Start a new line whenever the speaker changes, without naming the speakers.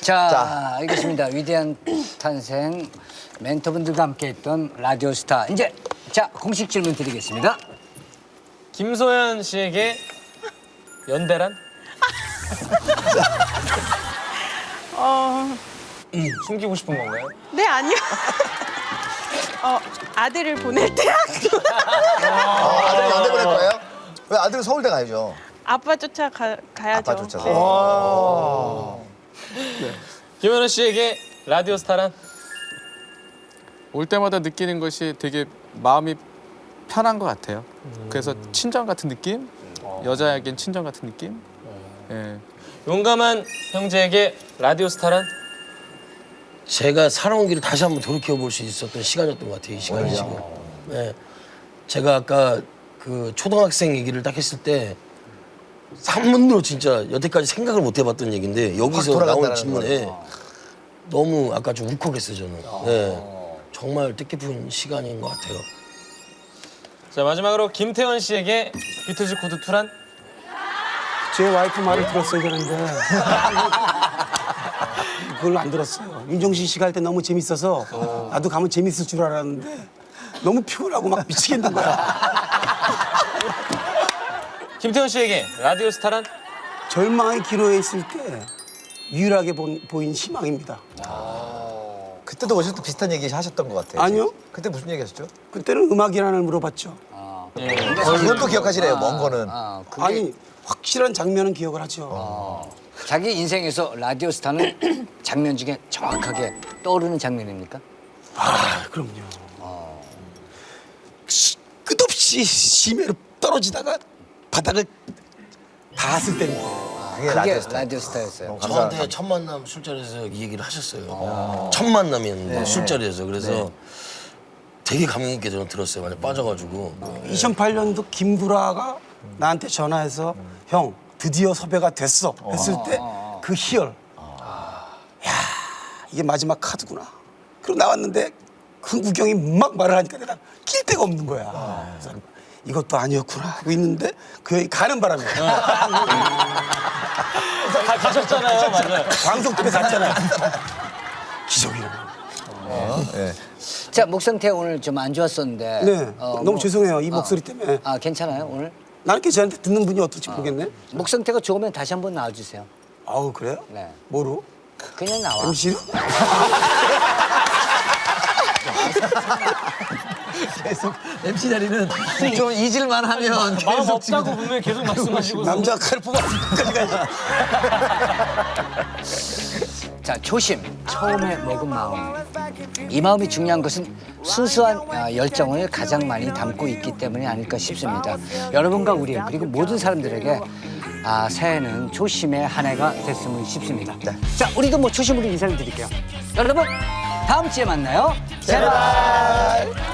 자, 알겠습니다. 위대한 탄생 멘토분들과 함께했던 라디오스타. 이제 자 공식 질문 드리겠습니다.
김소연 씨에게 연대란? 숨기고 싶은 건가요?
네, 아니요. 아들을 보낼 때
아들 연대 보낼 거예요? 왜 아들은 서울대 가야죠?
아빠 가야죠.
아빠 쫓아서.
김현우 씨에게 라디오 스타란?
올 때마다 느끼는 것이 되게 마음이 편한 것 같아요. 그래서 친정 같은 느낌? 여자에겐 친정 같은 느낌? 예.
용감한 형제에게 라디오 스타란?
제가 살아온 길을 다시 한번 돌이켜볼 수 있었던 시간이었던 것 같아요, 이 시간이 지금. 네. 제가 아까 그 초등학생 얘기를 딱 했을 때 한 번도 진짜 여태까지 생각을 못 해봤던 얘기인데 여기서 나온 질문에 너무 아까 좀 울컥했어요, 저는. 네. 정말 뜻깊은 시간인 것 같아요.
자, 마지막으로 김태원 씨에게 비틀즈 코드 2란?
제 와이프 말을 들었어야 되는데 그걸 안 들었어요. 윤종신 씨가 할 때 너무 재밌어서 나도 가면 재밌을 줄 알았는데 너무 피곤하고 막 미치겠는 거야.
김태원 씨에게 라디오 스타란?
절망의 기로에 있을 때 유일하게 보인 희망입니다.
그때도 오실 때 비슷한 얘기 하셨던 것 같아요.
아니요.
그때 무슨 얘기 하셨죠?
그때는 음악이란을 물어봤죠.
그건 또 기억하시래요, 먼 거는.
그게
아니 확실한 장면은 기억을 하죠.
자기 인생에서 라디오스타는 장면 중에 정확하게 떠오르는 장면입니까?
아 그럼요. 끝없이 심해로 떨어지다가 바닥을 닿았을 때입니다.
그게 라디오스타였어요.
저한테 첫 만남 술자리에서 이 얘기를 하셨어요. 첫 만남이었는데 술자리에서. 그래서 되게 감명 있게 저는 들었어요. 완전 빠져가지고.
2008년도 김구라가 나한테 전화해서 형 드디어 섭외가 됐어 했을 때 그 희열. 야 이게 마지막 카드구나. 그리고 나왔는데 흥국영이 막 말을 하니까 내가 낄 데가 없는 거야. 그래서 이것도 아니었구나 하고 있는데 그 형이 가는 바람에
가셨잖아요, 맞아요.
광석집에 갔잖아요. 기적이라고.
자, 목 상태 오늘 좀 안 좋았었는데.
네, 너무 죄송해요 이 목소리 때문에.
아, 괜찮아요, 오늘?
나는 괜찮은데 듣는 분이 어떨지 모르겠네.
목 상태가 좋으면 다시 한번 나와주세요.
아우 그래요?
네.
뭐로?
그냥 나와.
MC로?
MC 자리는 좀 잊을만 하면
마음 없다고 분명히 계속 말씀하시고.
남자 칼 뽑았을 때까지 가야지.
자, 초심, 처음에 먹은 마음. 이 마음이 중요한 것은 순수한 열정을 가장 많이 담고 있기 때문이 아닐까 싶습니다. 여러분과 우리 그리고 모든 사람들에게 새해는 초심의 한 해가 됐으면 싶습니다. 자, 우리도 뭐 초심으로 인사를 드릴게요. 여러분, 다음 주에 만나요. 제발.